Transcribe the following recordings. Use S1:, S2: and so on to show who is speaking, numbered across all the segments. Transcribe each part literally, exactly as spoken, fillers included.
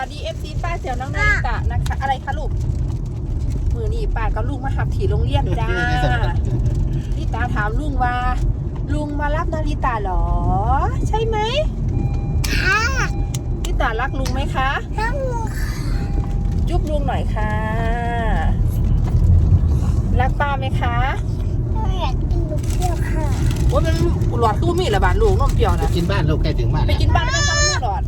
S1: สดีเอฟซีป้าเสี่ยวน้องนาริตะนะคะอะไรคะลูกมือนี่ป้ากับลุงมาหับถี่โรงเรียนจ้าลิตาถามลุงว่าลุงมารับนาริตะหรอใช่ไหมค่ะลิตารักลุงไหมคะรักลุงค่ะจุ๊บลุงหน่อยค่ะรักป้าไหมคะอยากกินนมเปรี้ยวค่ะว่ามันหลอดคือมีระบาดลูกนมเปรี้ยวนะ
S2: ไปกินบ้านลูกใกล้ถึงบ้าน
S1: ไปกินบ้านไม่ต้องมีหลอด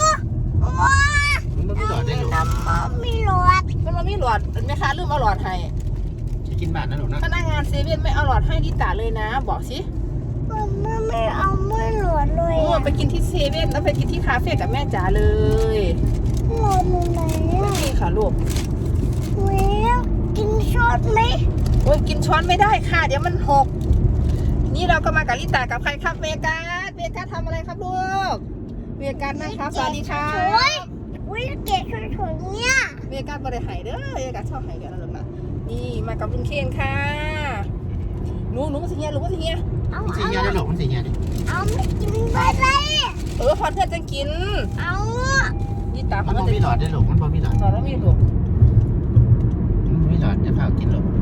S2: มันไม่หลอดได้หรอ
S1: มันมีหลอดมันไม่มีหลอดแม่ค้าลืมเอาหลอดให้
S2: จะกินบ้านนะหนูนะ
S1: พนักงานเซเว่นไม่เอาหลอดให้ดิตาเลยนะบอกสิ
S3: มันไม่เอาไม่หลอดเลย
S1: อ่ะไปกินที่เซเว่นแล้วไปกินที่คาเฟ่กับแม่จ๋าเลย
S3: หลอดอยู่ไหน
S1: ไม่มีค่ะลูก
S3: เว้ยกินช้อนไหม
S1: โอ้ยกินช้อนไม่ได้ค่ะเดี๋ยวมันหกนี่เราก็มากับลิตากับใครครับเวกัสเวกัสทำอะไรครับลูกเวกัสนะครับสวัสดีค่ะ
S3: วิเกตสวยๆเนี่ย
S1: เวกัสบริหายเด้อเวกัสชอบหายเด้อนะลูกนะนี่มากับลุงเคนค่ะหนูหนูมาสิเฮียหนูมาสิเฮีย
S2: มันสีเฮียได้หรอมันสีเฮียดิ
S3: เอาไม่กินไปเลย
S1: เออพอเพื่อนจะกิน
S3: เอา
S1: ลิตา
S2: มันมีหลอดได้หรอมันมีหลอด
S1: หลอดแล้วมีลูก
S2: มีหลอดจะพากินหรอ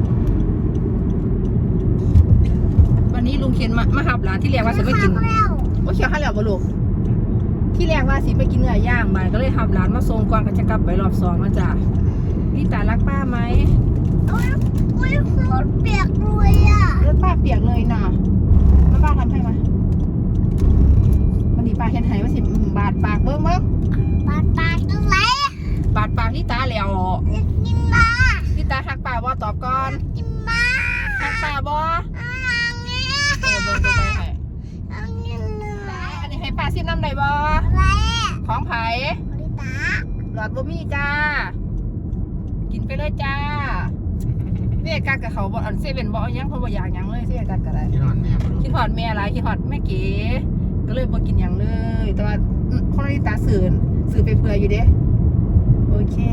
S1: วันนี้ลุงเคนมามาหับร้านที่เรียกว่าจะไม่กินว่าเขียวข้าวเหลวบ่ลูกที่แรกว่าสิไปกินเนื้อย่างมาก็เลยหับร้านมาส่งก่อนก็จะกลับไปรอบสองแล้วจ้ะลิตารักป้าไหม
S3: โอ้ยโอ้ยรถเปียกเลยอ่ะ
S1: รถป้าเปียกเลยนะมาป้าทำให้มาวันนี้ป้าเห็นไหว่าสิบาดปากเบิ้งเบิ้ง
S3: บาดปากตรงไหน
S1: บาดปากลิตาแล้ว
S3: กินมา
S1: ลิตาหักป้าบ่ตอบก่อน
S3: กินมา
S1: หักป้าบ่เออเบิ้งตัวไปให้อันนี้ให้ป้าซิมน้ำไหนบ่ของไผ่
S3: ลิตา
S1: หลอดบ่มีจ้ากินไปเลยจ้าเวกัสกับเขาบ่อันเซเว่นบ่ยังเขาบ่อยากยังเลยเซเว่นกัสกับอะไร
S2: คิดหอดแม่
S1: คิดหอดแม่อะไรคิดหอดแม่เก๋ก็เลยบ่กินยังเลยแต่ว่าคนนี้ตาสื่อสื่อไปเผื่ออยู่เด้โอเค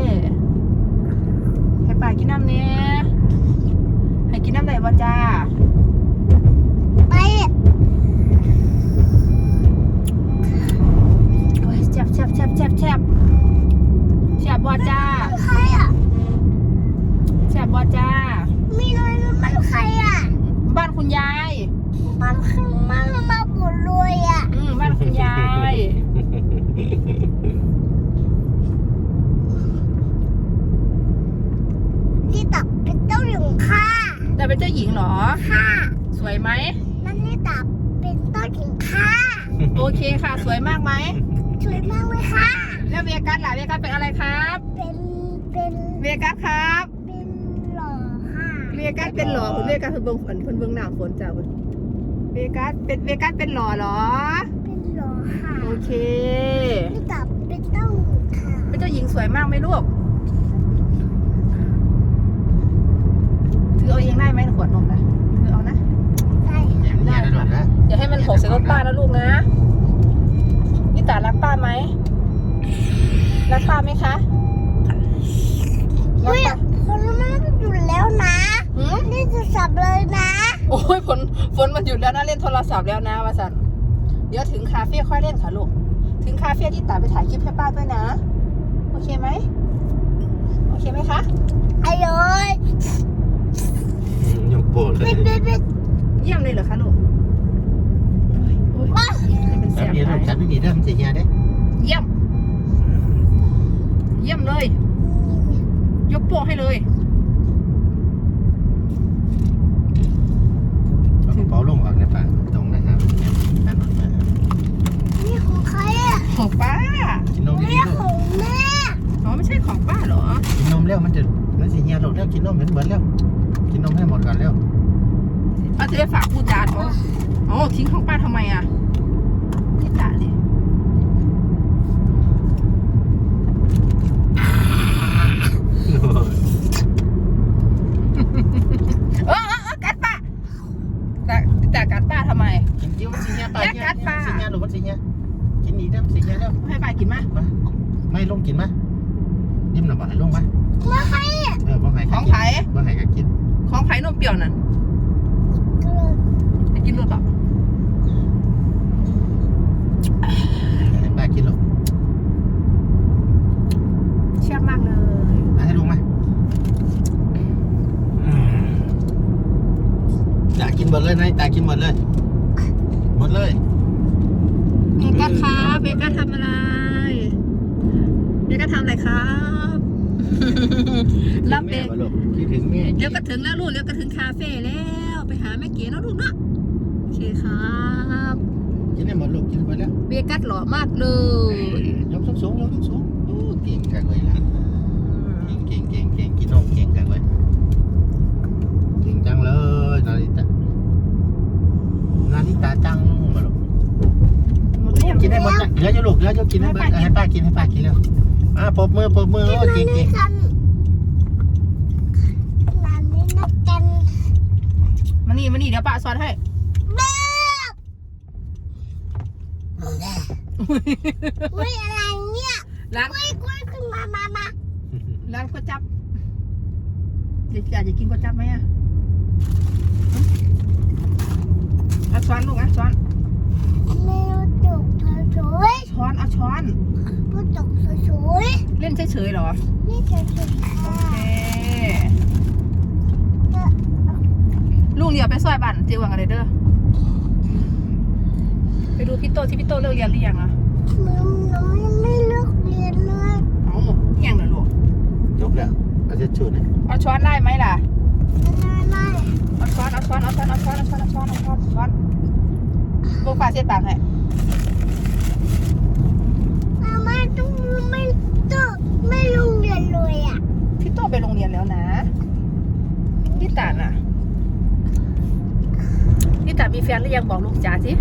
S1: ให้ป้ากินน้ำเนี่ยให้กินน้ำไหนบ่จ้า
S3: ไป
S1: โอ้ยแซ่บแซ่บแซ่บแซ่บแซ่บแซ่บบ่จ้า
S3: ใครอ่ะ
S1: แซ่บบ่จ้า
S3: มีน้อยมันใครอ่ะ
S1: บ้านคุณยาย
S3: มันมันมาบุญรวยอ่ะ
S1: อืมบ้านคุณยาย
S3: นี่ตับเป็นเจ้าหญิงค่ะ
S1: แต่เป็นเจ้าหญิงเหรอ
S3: ค่ะ
S1: สวยไหม
S3: นั่นนี่ตับเป็นเจ้าหญิงค่ะ
S1: โอเคค่ะสวยมากไหม
S3: สวยมากเลยค่ะ
S1: แล้วเวกัสล่ะเวกัสเป็นอะไรครับ
S3: เป็นเป็น
S1: เวกัสครับ
S3: เป็นหล่อค่ะ
S1: เวกัสเป็นหล่อคุณเวกัสเพิ่นเบิ่งฝนเพิ่นเบิ่งหน้าฝนจ้าเพิ่นเวกัสเป็นเวกัสเป็นหล่อเหรอ
S3: เป็นหล่อค่ะ
S1: โอเค
S3: นี่ตับเป็นเจ้าหญิงค่ะ
S1: เป็นเจ้าหญิงสวยมากไหมลูกถือเอาเองได้ไหมขวดนมนะถือเอานะ
S3: ได้
S2: ได้ได้นะ
S1: อย่าให้มันหกใส่รถป้านะลูกนะนี่ตารักป้าไหมรักป้าไหมคะ
S3: เฮ้ยฝนมันหยุดแล้วนะนี่จะสับเลยนะ
S1: โอ้ยฝนฝนมันหยุดแล้วนะเล่นโทรศัพท์แล้วนะวาสันเดี๋ยวถึงคาเฟ่ค่อยเล่นค่ะลูกถึงคาเฟ่ที่ตาไปถ่ายคลิปให้ป้าด้วยนะโอเคไหมโอเคไหมคะ
S3: อร่อย
S2: ยกโบดเลย
S1: เยี่ยมเลยเหรอคะลูก
S2: จับดีลูกจับดีๆเด้อมันสีเฮียเด้
S1: เยี่ยมเยี่ยมเลยยกโป้ให้เลย
S2: เอากระเป๋าลงออกในป่าตรงนะครับ
S3: นี่ของใครอ่ะ
S1: ของป้า
S2: กินนมดี
S3: ๆของแม่
S1: อ๋อไม่ใช่ของป้าเหรอ
S2: กินนมเร็วมันจะมันสีเฮียลูกเร็วกินนมเหมือนเหมือนเร็วกินนมให้หมดก่อนเร็ว
S1: เอาจะได้ฝากพูดจานอ๋ออ๋อทิ้งของป้าทำไมอ่ะที่ตาเลยเออเออกัดป้าแต่แต่กัดป้าทำไม
S2: กินจิ้วมันสีเฮียตายเฮียสีเฮียลูกมันสีเฮียกินดีเด้อสีเฮียเด้อ
S1: ให้ป้ากินมั้ย
S2: ไม่ลงกินมั้ยยิ้มหน่อยบ่ให้ลงมั้ย
S3: ของใคร
S2: เออบ่ให้
S1: ของไผ่
S2: บ่ให้ก็กิน
S1: ของไผ่นมเปรี้ยวนั่นจะกินรสหรอ
S2: ป้ากินหรอกินหมดเลยหมดเลย
S1: เบกัสครับเบกัสทำอะไรเบกัสทำอะไรครับรับเบ
S2: คิดถึงแม่ป่ะลูกคิดถึงแม่
S1: เดี๋ยวก็ถึงแล้วลูกเดี๋ยวก็ถึงคาเฟ่แล้วไปหาแม่เก๋เนาะลูกเนาะโอเคครับ
S2: กินได้หมดลูกกินหมดแล้ว
S1: เบกัสหล่อมากเลย
S2: ยกสูงสูงยกสูงสูงโอ้เก่งจังเลยหลานเก่งเก่งเก่งเก่งกินนมเก่งจังเลยเก่งจังเลยนาริตะนาริตะจังมาลูก
S1: หมดหรือยัง
S2: กินได้หมดนะเหลือจะลูกเหลือจะกินให้เบิร์ดให้ป้ากินให้ป้ากินแล้วอ่าปรบมือปรบมือโอ้เก่งเก่ง
S3: กันร้านนี้นักกัน
S1: มานี่มานี่เดี๋ยวป้าสอนให้
S3: เบ๊บอุ้ยอะไรเนี่ย
S1: ร้าน
S3: กล้วยกล้วยขึ้นมามามา
S1: ร้านก๋วยจั๊บเด็กอยากจะกินก๋วยจั๊บไหมอ่ะเอาช้อนลูกอ่ะช้อน
S3: เมนูจุกสวย
S1: ช้อนเอาช้อน
S3: ๆผู้จุกสวย
S1: เล่นเฉยๆเหรอ
S3: ๆนี่จะสวยค่ะ
S1: โอเคลุงเดี๋ยวไปซอยบ้านเจียวกันเลยเด้อไปดูพี่โตที่พี่โตเลิกเรียนหรือยังอ่ะ
S3: มึงน้องยังไม่เลิกเรียนเลย
S1: เอาเที่ยงเลยลูก
S2: ยกแล้วเอาจะชูนะ
S1: เอาช้อนได้ไหมล่ะ
S3: ไม่ไม่
S1: เอาช้อนเอาช้อนเอาช้อนเอาช้อนเอาช้อนเอาช้อนเอาช้อนช้อนลูกฟ้าเสียปากให้
S3: มาม่าต้องไม่ต้องไม่โรงเรียนเลยอ่ะ
S1: พี่โตไปโรงเรียนแล้วนะพี่ตาน่ะพี่ตามีแฟนหรือยังบอกลุงจ๋าสิ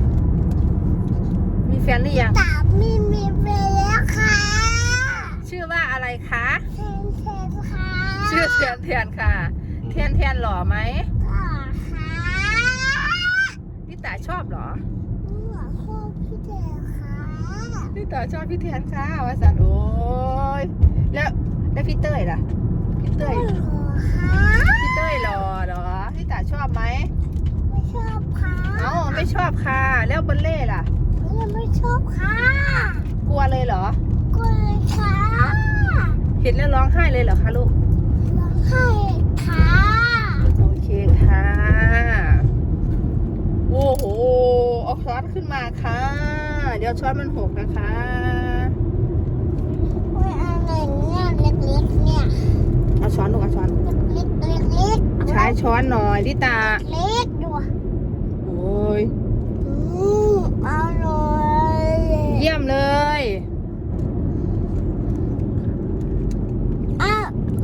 S1: มีแฟนหรือยัง
S3: ตามีมีไปแล้วค่ะ
S1: ชื่อว่าอะไรคะ
S3: เทนเทนค่ะ
S1: ชื่อเทียนเทียนค่ะเทียนเทียนหล่อไหม
S3: ก็ค่ะ
S1: พี่ตาชอบเหรอ
S3: หัวโคกพี่เดชค่ะ
S1: พี่ตาชอบพี่เทียนค่ะว่าสันโอ้ยแล้วแล้วพี่เต้ยล่ะพี่เต้ย
S3: ไม่หัวค่ะ
S1: พี่เต้ยหล่อเหรอพี่ตาชอบไหม
S3: ไม่ชอบค่ะ
S1: เอ้าไม่ชอบค่ะ แล้วบอลเล่ล่ะ
S3: ยังไม่ชอบค่ะ
S1: กลัวเลยเหรอ
S3: ก็เลยค่ะ
S1: เห็นแล้วร้องไห้เลยเหรอคะลูก
S3: ร้องไห้ค่ะ
S1: โอเคค่ะ โอ้โหเอาช้อนขึ้นมาค่ะ เดี๋ยวช้อนมันหกนะคะ
S3: โอ้ยอะไรเนี่ยเล็กๆเนี่ย
S1: เอาช้อนลูกเอาช้อน
S3: เล็กๆเล็กๆ
S1: ใช้ช้อนหน่อยลิตา
S3: เล็กดู
S1: โอ้ย
S3: อืมอร่อย
S1: เยี่ยมเลย
S3: อ้าว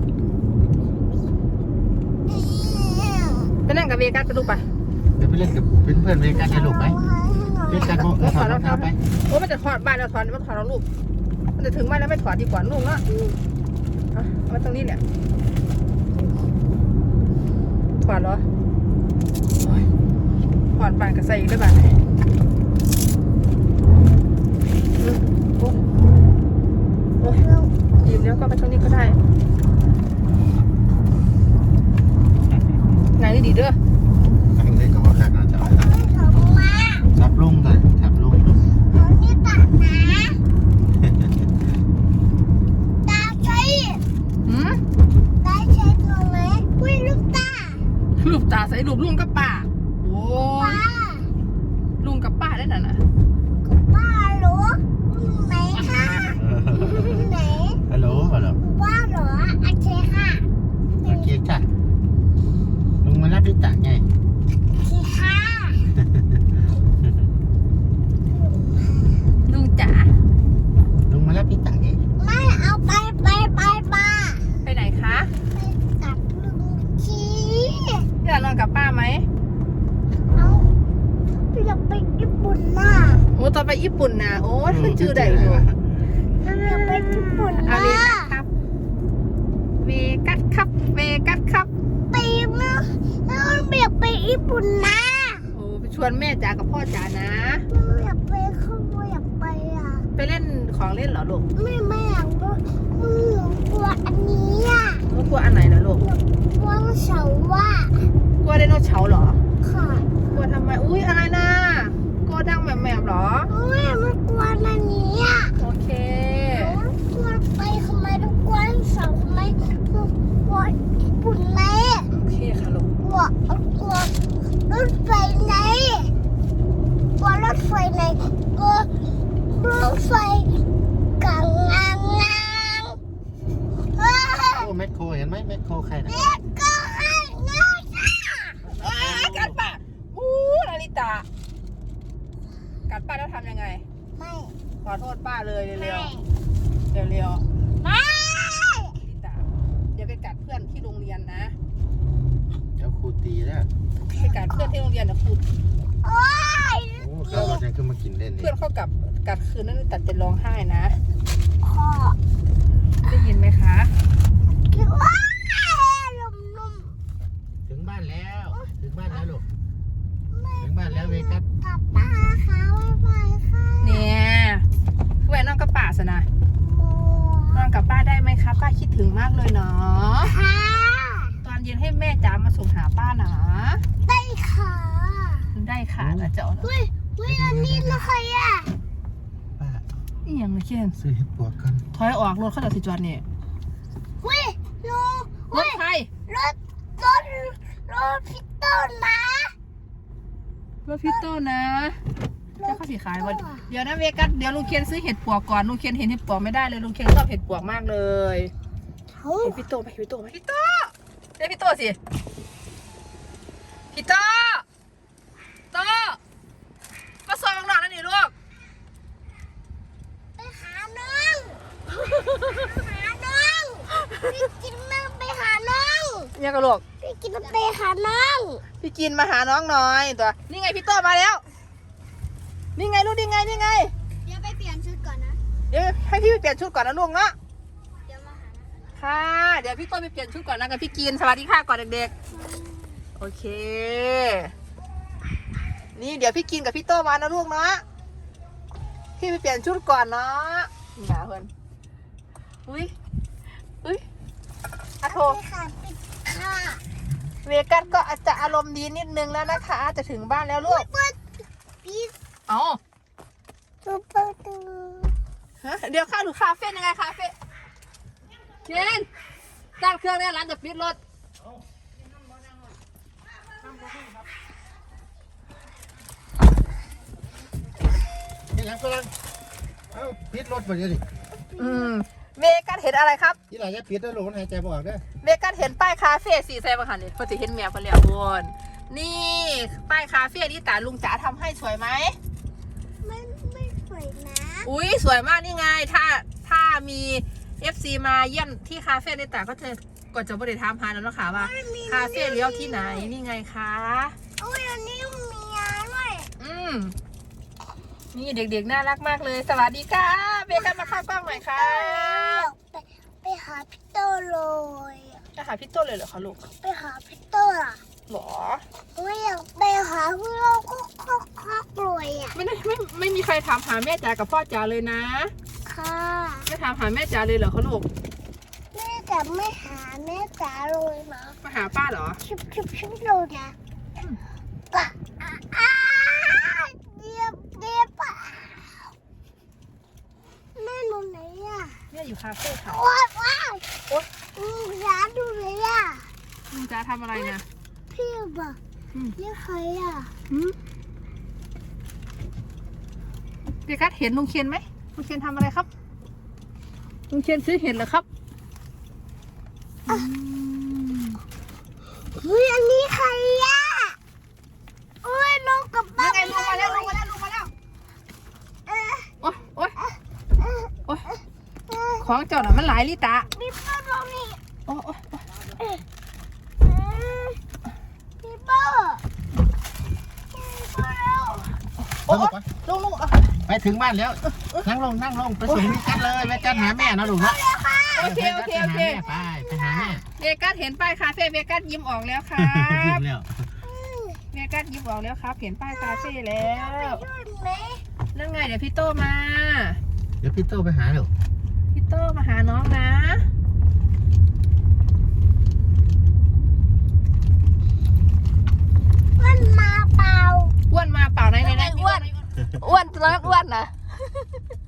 S1: ไปนั่งกับเวกัสไปลูกไป
S2: เดี๋ยวไปเล่นกับเพื่อนเพื่อนๆเวกันให้ลูกไหมเวกันโมถอดรองเท้าไป
S1: โอ้มันจะถอดบ้านเราถอดมันถอดเราลูก มันจะถึงบ้านแล้วไม่ถอดดีกว่าลูกเนาะเอาเอามาตรงนี้เนี่ยถอดเหรอโอ้ยถอดบ้านกับใส่อีกได้บ้านเลยอืมโอ้โอ้ยหยิบแล้วก็ไปตรงนี้ก็ได้ไหนดีเด้อ
S2: ทางนี้ก็ว่าขาดน่าจะเอา
S3: ไม่ถงมา
S2: ทับลุงเลยทับลุงลูก
S3: เอานี่ตัดนะตาใช้
S1: หืม
S3: ตาใช้ตัวไหมอุ้ยลูกตา
S1: รูปตาใส่รูปลุงกับป้าโอ้
S3: ป้าย
S1: ลุงกับป้าได้น่ะนะ
S3: ป้าหรอไหนคะไหน
S2: ฮัลโหลฮัลโหล
S3: ป้าหรอโอเคค่ะ
S2: โอเคจ้ะลุงมารับลิตาไง
S3: โอเคค่ะ
S1: ลุงจ๋า
S2: ลุงมารับลิตาไง
S3: ไม่เอาไปไปไปมา
S1: ไปไหนคะ
S3: ไปกับลุงชี
S1: อยากนอนกับป้าไหม
S3: เอาอยากไปญี่ปุ่นน่ะ
S1: โอ้ตอนไปญี่ปุ่นนะโอ้ขึ้นชื่อใดอยู่
S3: อยากไปญี่ปุ่น
S1: อา
S3: น่ะ
S1: เวกัสครับเวกัสครับเวกัสครับ
S3: ไปมาแล้วอยากไปญี่ปุ่นนะ
S1: โอ้ไปชวนแม่จ๋ากับพ่อจ๋านะ
S3: อยากไปเขาอยากไปอ่ะ
S1: ไปเล่นของเล่นเหรอลูก
S3: ไม่ไม่อยากก็หนูกลัวอันนี้อ่ะ
S1: ลูกกลัวอันไหนนะลูก
S3: กลัวเสาว่าก
S1: ลัวไดโนเสาร์เหรอ
S3: ค่ะ
S1: กลัวทำไมอุ้ยอะไรนะกลัวดังแบบแบบๆเหรอ
S3: ไม่ไม่กลัวอันนี้อ่ะ
S1: โอเค
S3: กลัวไปทำไมต้องกลัวเสาทำไมกลัวญี่ปุ่นไหม
S1: โอเคค่ะลูก
S3: กลัวกลัวรถไฟ
S2: แมคโครใครนะ
S3: ก็ให้เงินจ้า
S1: อ้ากัดป้าอู้นาริตะกัดป้าแล้วทำยังไง
S3: ไม่
S1: ขอโทษป้าเลย
S3: ไม่
S1: เร็วๆเร็ว
S3: ไม่
S1: ๆนาริตะเดี๋ยวไปกัดเพื่อนที่โรงเรียนนะ
S2: เดี๋ยวครูตีแล้ว
S1: ไปกัดเพื่อนที่โรงเรียนนะครู
S3: โอ๊ย
S2: โอ้ก็วันนี้คือมากินเล่นนี่
S1: เพื่อนเขากับกัดคืนนั้นตัดจะร้องไห้นะ
S3: ขอ
S1: ได้ยินไหมคะ
S3: คิดว่าลมลม
S2: ถึงบ้านแล้วถึงบ้านแล้วลูก
S3: ไม่
S2: ถึงบ้านแล้วเวกัส
S3: กลับป้าค่ะบ๊ายบายค่ะ
S1: เนี่ยคือไปนอนกับป้าสนะ
S3: โม
S1: นอนกับป้าได้ไหมคะป้าคิดถึงมากเลยเนาะ
S3: ค่ะ
S1: ตอนเย็นให้แม่จ๋ามาส่งหาป้านะ
S3: ได้ค่ะ
S1: ได้ค่ะนะเจ้า
S3: อุ้ยอุ้ยอันนี้นะใครอ่ะ
S2: ป้า
S1: นี่ยังไม่เช่น
S2: ซื้อเห็ดปวกกัน
S1: ถอยออกรถเข้าจากสิจอดเนี่ย
S3: อุ้ยลุง
S1: ร
S3: อุ้
S1: ถ
S3: ย
S1: ใคร
S3: รถรถรถพี่ต้นนะ
S1: รถพี่โต้นะจะเข้าสีขายวันเดี๋ยวนะเวกัสเดี๋ยวลุงเคียนซื้อเห็ดปวกก่อนลุงเคียนเห็นเห็ดปวกไม่ได้เลยลุงเคียนชอบเห็ดปวกมากเลย
S3: เฮ้ย
S1: เห็นพี่โต้ไหมพี่โต้ไหมพี่โต้เรียกพี่โต้สิพี่โต้โต้มาซอยข้างนอกนั่นนี่ลูก
S3: ไปหาน้องหาน้องพี่กินน้ำไปหาน้อง
S1: ยังกระโหลก
S3: พี่กินน้ำไปหาน้อง
S1: พี่กินมาหาน้องหน่อยตัวนี่ไงพี่โต้มาแล้วนี่ไงลูกนี่ไงนี่ไง
S3: เดี๋ยวไปเปลี่ยนชุดก่อนนะ
S1: เดี๋ยวให้พี่ไปเปลี่ยนชุดก่อนนะลูกเนาะ
S3: เดี๋ยวมาหานะ
S1: ค่ะ เดี๋ยวพี่โต้ไปเปลี่ยนชุดก่อนนะกับพี่กินสวัสดีค่ะก่อนเด็กๆโอเค นี่เดี๋ยวพี่กินกับพี่โต้มานะลูกเนาะพี่ไปเปลี่ยนชุดก่อนเนาะนี่นะเพื่อนอุ้ยอุ้ยอะโท
S3: ไปค่ะไปค่ะ
S1: เวกัสก็อาจจะอารมณ์ดีนิดนึงแล้วนะคะ จะถึงบ้านแล้วลูก
S3: เปิดพี่
S1: เอ้า
S3: ซูเปอร์ตู
S1: ฮะเดี๋ยวเข้าถึงคาเฟ่ยังไงคาเฟ่เจนตั้งเครื่องได้ร้านจะปิดรถ
S2: นี่ยังกำลังเอ้าปิดรถไปเดี๋ยวดิ
S1: อืมเวกัสเห็นอะไรครับ
S2: ที่ไหนจะปิดแล้วลูกมันหายใจบ่ออกเด้อ
S1: เวกัสเห็นป้ายคาเฟ่สีแซ่บค่ะนี่เพื่อจะเห็นแมวกันแล้วบนนี่ป้ายคาเฟ่ที่ตาลุงจ๋าทำให้สวยไหม
S3: ไม่ไม่สวยนะ
S1: อุ้ยสวยมากนี่ไง ถ้าถ้ามี เอฟ ซี มาเยี่ยมที่คาเฟ่นี่ตาก็จะก็จะบริถามหาแล้วเนาะค่ะว่าคาเฟ่เลี้ยวที่ไหนนี่ไงคะ
S3: อุ้ยอันนี้มียาด้วย
S1: อืมนี่เด็กๆน่ารักมากเลย สวัสดีค่ะเบกันมาเข้ากล้องหน่อยค่ะ
S3: ไปไปหาพี่โตเลย
S1: จะหาพี่ต้นเลยเหรอคะลูก
S3: ไปหาพี่โตอ่ะ
S1: หรอ
S3: ไม่อยากไปหาพี่เราก็คอกคอกรวยอ่ะ
S1: ไม่ได้ไม่ไม่มีใครถามหาแม่จ๋ากับพ่อจ๋าเลยนะ
S3: ค่ะ
S1: ไม่ถามหาแม่จ๋าเลยเหรอคะลูก
S3: แม่จะไม่หาแม่จ๋าเลยนะ
S1: มาหาป้าเหรอ
S3: ชิบชิบชิบเลยนะอ่ะอ่ะอ่ะเดียบเดียบอ่ะแม่หนูไหนอ่ะ
S1: แม่อยู่คาเฟ่ค่ะ
S3: ว้าวว้าว
S1: โอ๊ย
S3: อืมร้านดูเลยอ่ะ
S1: ลุงจ๋าทำอะไรนะ
S3: พี่บอก
S1: อืม
S3: นี่ใครอ่ะ
S1: หืมเบกัสเห็นลุงเคียนไหมลุงเคียนทำอะไรครับลุงเคียนซื้อเห็ดเหรอครับอืม
S3: เฮ้ยอันนี้ใครอ่ะโอ้ยลงกับบ้า
S1: ยัง
S3: น
S1: ไงลุงมาแล้วลุงมาแล้วลุงมาแล้ว
S3: เอ๊ะ
S1: โอ๊ยโอ๊ย
S3: เอ๊ะ
S1: โอ๊ย
S3: เอ๊ะ
S1: ของเจ้าน่ะมันหลายลิตา
S3: มีเปิ้ลตรงนี้
S1: โอ๊ยโอ๊ย
S3: เอ๊ะเอ๊ะมีเปิ้ลมีเปิ้ลแล้ว
S1: โอ๊ยลุงลุงเอา
S2: ไปถึงบ้านแล้ว นั่งลงนั่งลงไปส่งวิกันเลยวิกันหาแม่นะลูกนะ
S1: โอเคโอเคโอเค
S2: ไปไปหาแม่
S1: เวกัสเห็นป้ายคาเฟ่เวกัสยิ้มออกแล้วครั
S2: ยิ้
S1: บ
S2: มแล้ว
S1: เวกัสยิ้มออกแล้วครับ เห็นป้ายคาเฟ่แล้ว
S3: ช่วยไหม
S1: นั่นไงเดี๋ยวพี่โตมา
S2: เดี๋ยวพี่โตไปหาลูก
S1: พี่โตมาหาน้องนะ
S3: มันมาเปล่า
S1: อ้วนมาเปล่าไหนไหนไหนอ้วนอ้วนตอนนั้นอ้วนนะ